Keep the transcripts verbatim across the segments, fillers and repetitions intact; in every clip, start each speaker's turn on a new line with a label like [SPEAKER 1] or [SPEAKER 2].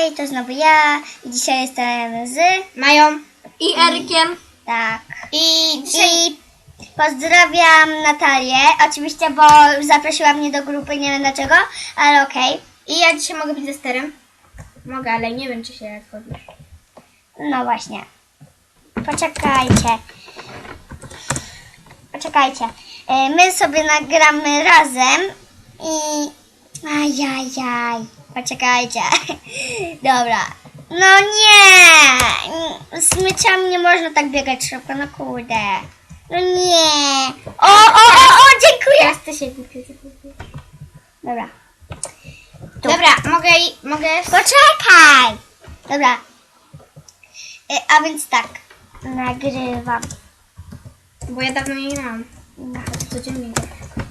[SPEAKER 1] Hej, to znowu ja i dzisiaj jestem z
[SPEAKER 2] Mają i Erykiem.
[SPEAKER 1] Tak.
[SPEAKER 2] I dzisiaj...
[SPEAKER 1] I pozdrawiam Natalię, oczywiście, bo zaprosiła mnie do grupy, nie wiem dlaczego, ale okej.
[SPEAKER 2] I ja dzisiaj mogę być ze sterem. Mogę, ale nie wiem, czy się zgodzisz.
[SPEAKER 1] No właśnie. Poczekajcie. Poczekajcie. E, My sobie nagramy razem i... Ajajaj. Poczekajcie. Dobra. No nie! Z myciami nie można tak biegać szybko, no kurde. No nie! O, o, o, o, dziękuję!
[SPEAKER 2] Teraz ty się głupio zachowujesz.
[SPEAKER 1] Dobra. Tu.
[SPEAKER 2] Dobra, mogę i... mogę...
[SPEAKER 1] Poczekaj! Dobra. E, a więc tak. Nagrywam.
[SPEAKER 2] Bo ja dawno nie grałam.
[SPEAKER 1] No.
[SPEAKER 2] To codziennie gram.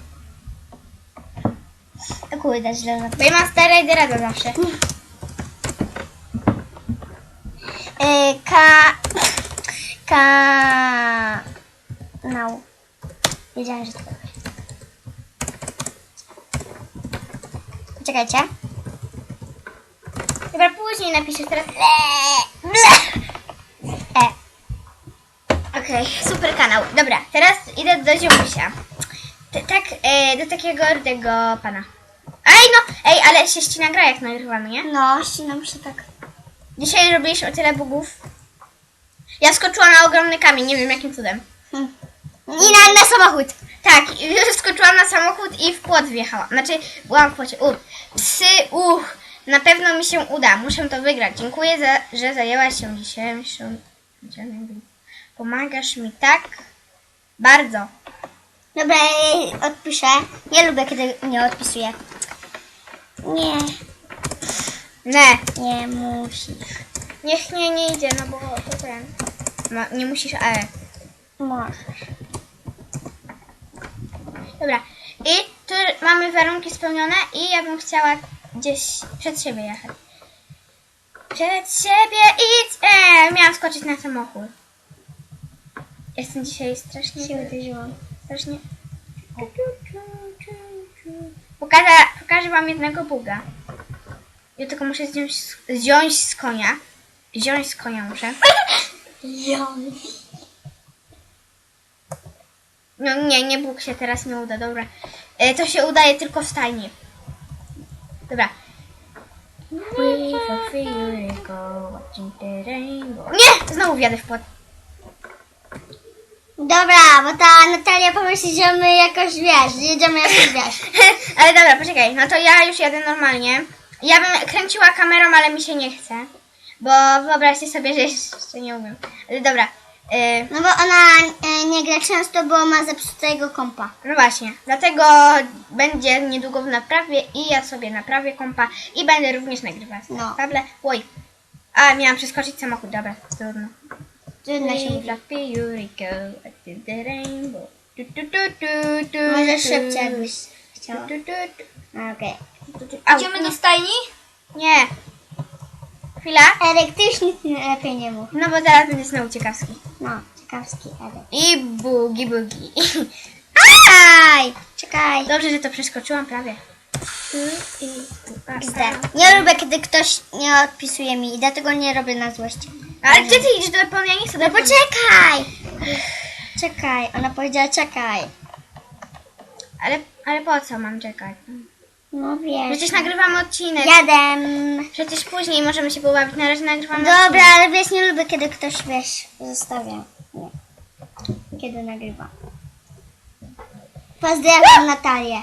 [SPEAKER 1] O kurde, źle na
[SPEAKER 2] Bo ja mam stare i rada zawsze.
[SPEAKER 1] e, Ka... Ka... No. Wiedziałem, że to będzie. Poczekajcie.
[SPEAKER 2] Dobra, później napiszesz teraz.
[SPEAKER 1] E.
[SPEAKER 2] Okej, super kanał. Dobra, teraz idę do ziomusia. T- tak, e, do takiego rudego pana. Ej, no! Ej, ale się ścina gra jak nagrywamy, nie?
[SPEAKER 1] No, ścinam się tak.
[SPEAKER 2] Dzisiaj robisz o tyle bugów. Ja skoczyłam na ogromny kamień, nie wiem jakim cudem.
[SPEAKER 1] Hm. I na, na samochód.
[SPEAKER 2] Tak, i skoczyłam na samochód i w płot wjechałam. Znaczy, byłam w płocie. U, psy, uch. Na pewno mi się uda. Muszę to wygrać. Dziękuję, za, że zajęłaś się dzisiejszą... Pomagasz mi tak bardzo.
[SPEAKER 1] Dobra, ja odpiszę. Nie lubię, kiedy nie odpisuję. Nie,
[SPEAKER 2] Nie,
[SPEAKER 1] nie musisz.
[SPEAKER 2] niech nie, nie idzie, no bo to ten. No, nie musisz, ale...
[SPEAKER 1] Możesz.
[SPEAKER 2] Dobra. I tu mamy warunki spełnione i ja bym chciała gdzieś przed siebie jechać. Przed siebie idź! Eee, miałam skoczyć na samochód. Jestem dzisiaj strasznie...
[SPEAKER 1] Się uderzyłam.
[SPEAKER 2] Strasznie... Pokażę, pokażę wam jednego buga. Ja tylko muszę zdjąć, zdjąć z konia. Wziąć z konia muszę. No nie, nie Bóg się teraz nie uda, dobra. E, to się udaje tylko w stajni. Dobra. Nie! Znowu wjadę w płot.
[SPEAKER 1] Dobra, bo ta Natalia pomyśli, że my jakoś, wiesz, jedziemy jakoś, wiesz.
[SPEAKER 2] Ale dobra, poczekaj. No to ja już jadę normalnie. Ja bym kręciła kamerą, ale mi się nie chce. Bo wyobraźcie sobie, że jeszcze nie umiem. Ale dobra. E,
[SPEAKER 1] No bo ona e, nie gra często, bo ma zepsutego kompa.
[SPEAKER 2] No właśnie, dlatego będzie niedługo w naprawie i ja sobie naprawię kompa i będę również nagrywać
[SPEAKER 1] No.
[SPEAKER 2] na table. Oj, a miałam przeskoczyć samochód, dobra, trudno.
[SPEAKER 1] Trudno się mówi. Może szybciej, jakbyś chciała. Okej.
[SPEAKER 2] Au,
[SPEAKER 1] Idziemy
[SPEAKER 2] nie.
[SPEAKER 1] do stajni?
[SPEAKER 2] Nie. Chwila.
[SPEAKER 1] Erek, ty już nic lepiej nie mów.
[SPEAKER 2] No bo zaraz będzie znowu ciekawski.
[SPEAKER 1] No, ciekawski Erek.
[SPEAKER 2] I bugi bugi.
[SPEAKER 1] Aj! Czekaj.
[SPEAKER 2] Dobrze, że to przeskoczyłam prawie.
[SPEAKER 1] Gzdę. Nie lubię, kiedy ktoś nie odpisuje mi i dlatego nie robię na złość.
[SPEAKER 2] Ale gdzie ty idziesz do Japonii? Ja nie chcę do
[SPEAKER 1] No
[SPEAKER 2] Japonii.
[SPEAKER 1] poczekaj! Czekaj, ona powiedziała czekaj.
[SPEAKER 2] Ale, ale po co mam czekać?
[SPEAKER 1] No wiesz.
[SPEAKER 2] Przecież nagrywamy odcinek.
[SPEAKER 1] Jadę.
[SPEAKER 2] Przecież później możemy się pobawić. Na razie nagrywamy
[SPEAKER 1] Dobra,
[SPEAKER 2] odcinek.
[SPEAKER 1] ale wiesz, nie lubię, kiedy ktoś, wiesz, zostawia. Nie. Kiedy nagrywa. Pozdrawiam Natalię.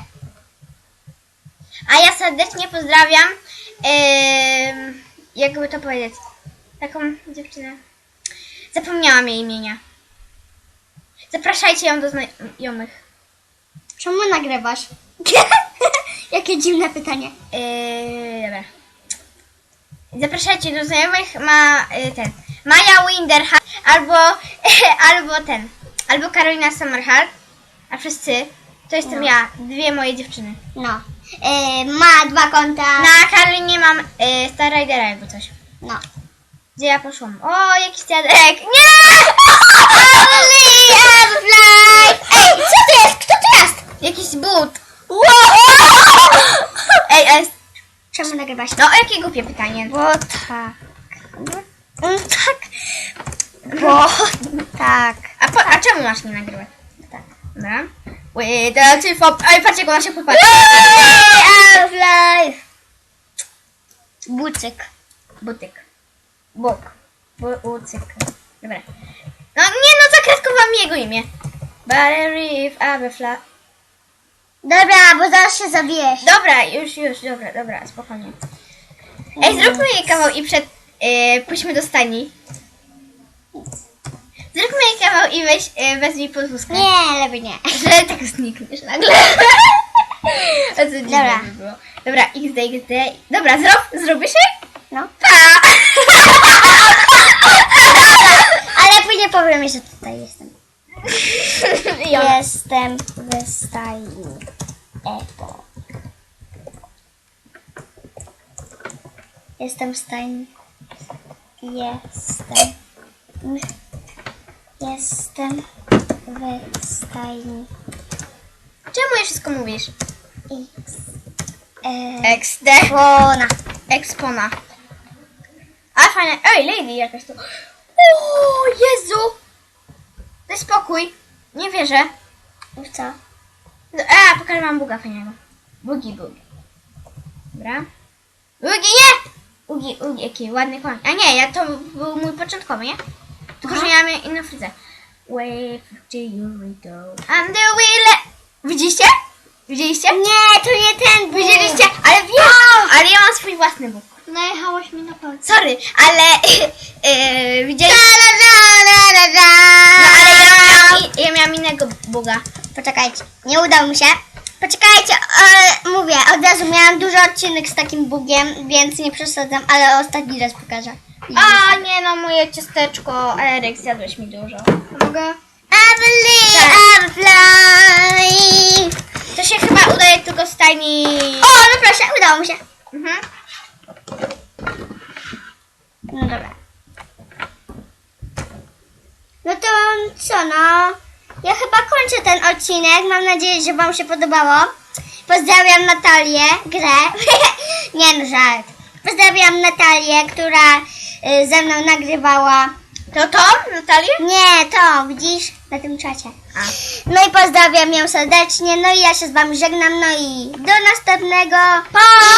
[SPEAKER 2] A ja serdecznie pozdrawiam, yy, jakby to powiedzieć, taką dziewczynę. Zapomniałam jej imienia. Zapraszajcie ją do znajomych.
[SPEAKER 1] Czemu nagrywasz? Jakie dziwne pytanie.
[SPEAKER 2] Yy, dobra. Zapraszajcie do znajomych, ma yy, ten, Maja Winderhart, albo, albo ten, albo Karolina Summerhart, a wszyscy, to jestem
[SPEAKER 1] No.
[SPEAKER 2] ja, dwie moje dziewczyny.
[SPEAKER 1] No. E, ma dwa konta.
[SPEAKER 2] Na Karolinie mam yy, Star Ridera jakby coś.
[SPEAKER 1] No.
[SPEAKER 2] Gdzie ja poszłam? O, jakiś dziadek! Nie!
[SPEAKER 1] Only have life. Ej, co to jest? Kto to jest?
[SPEAKER 2] Jakiś but!
[SPEAKER 1] Wow!
[SPEAKER 2] Ej, ale
[SPEAKER 1] Czemu nagrywasz?
[SPEAKER 2] No, jakie głupie pytanie.
[SPEAKER 1] Bo tak. Bo, mm, tak. Bo tak.
[SPEAKER 2] A, po, a czemu masz nie nagrywać?
[SPEAKER 1] Tak.
[SPEAKER 2] Dobra. Wait, the two for... Oj, patrz jak ona się popatrzy.
[SPEAKER 1] Out of life. Bucyk.
[SPEAKER 2] Butyk. Bok. Bucyk. Dobra. No nie no, zakretkowałam jego imię. Barry Reef, Aberfla.
[SPEAKER 1] Dobra, bo zaraz się zabijesz.
[SPEAKER 2] Dobra, już, już, dobra, dobra, spokojnie. Ej, zróbmy jej kawał i przed... Yy, pójdźmy do stajni. Zróbmy jej kawał i weź, yy, wezmij podwózkę.
[SPEAKER 1] Nie, lepiej nie.
[SPEAKER 2] Że tak znikniesz nagle. A co dziwne
[SPEAKER 1] Dobra.
[SPEAKER 2] by było. Dobra, X D, X D. Dobra, zrób, zrobisz jej?
[SPEAKER 1] No.
[SPEAKER 2] Pa!
[SPEAKER 1] Ale później powiem, że tutaj jestem.
[SPEAKER 2] Ja.
[SPEAKER 1] Jestem w stajni. Epo. Jestem w stajni. Jestem. Jestem w stajni.
[SPEAKER 2] Czemu je wszystko mówisz?
[SPEAKER 1] X. E,
[SPEAKER 2] X D.
[SPEAKER 1] Ona.
[SPEAKER 2] Expona. A fajne. Ej, lady jakaś tu. O Jezu! Daj spokój. Nie wierzę.
[SPEAKER 1] W co?
[SPEAKER 2] A, pokażę wam buga fajnego. Bugi, bugi. Dobra. Bugi, nie! Ugi, ugi, jaki ładny koń. A nie, ja to był mój początkowy, nie? Tylko, że ja miałem inną fryzę. Wave to you we go. And the wheel. Widzieliście? Widzieliście?
[SPEAKER 1] Nie, to nie ten Bóg.
[SPEAKER 2] Widzieliście? Ale wiem, ale ja mam swój własny bóg.
[SPEAKER 1] Najechałaś mi na palce.
[SPEAKER 2] Sorry, ale yy, widzieliście?
[SPEAKER 1] Da, da, da, da.
[SPEAKER 2] No ale ja miałam, i- ja miałam innego buga.
[SPEAKER 1] Poczekajcie, nie udało mi się. Poczekajcie, e, mówię, od razu miałam duży odcinek z takim bugiem, więc nie przesadzam, ale ostatni raz pokażę.
[SPEAKER 2] A nie no, moje ciasteczko. Eryk, zjadłeś mi dużo. Mogę?
[SPEAKER 1] I believe
[SPEAKER 2] Tak.
[SPEAKER 1] I'm flying.
[SPEAKER 2] To się chyba udaje tylko z stajni.
[SPEAKER 1] O, no proszę, udało mi się.
[SPEAKER 2] Mhm.
[SPEAKER 1] No dobra. No to co, no? Ja chyba kończę ten odcinek. Mam nadzieję, że wam się podobało. Pozdrawiam Natalię, grę. Nie no, żart. Pozdrawiam Natalię, która y, ze mną nagrywała.
[SPEAKER 2] To to, Natalię?
[SPEAKER 1] Nie, to, widzisz? Na tym czacie.
[SPEAKER 2] A.
[SPEAKER 1] No i pozdrawiam ją serdecznie. No i ja się z wami żegnam. No i do następnego. Pa!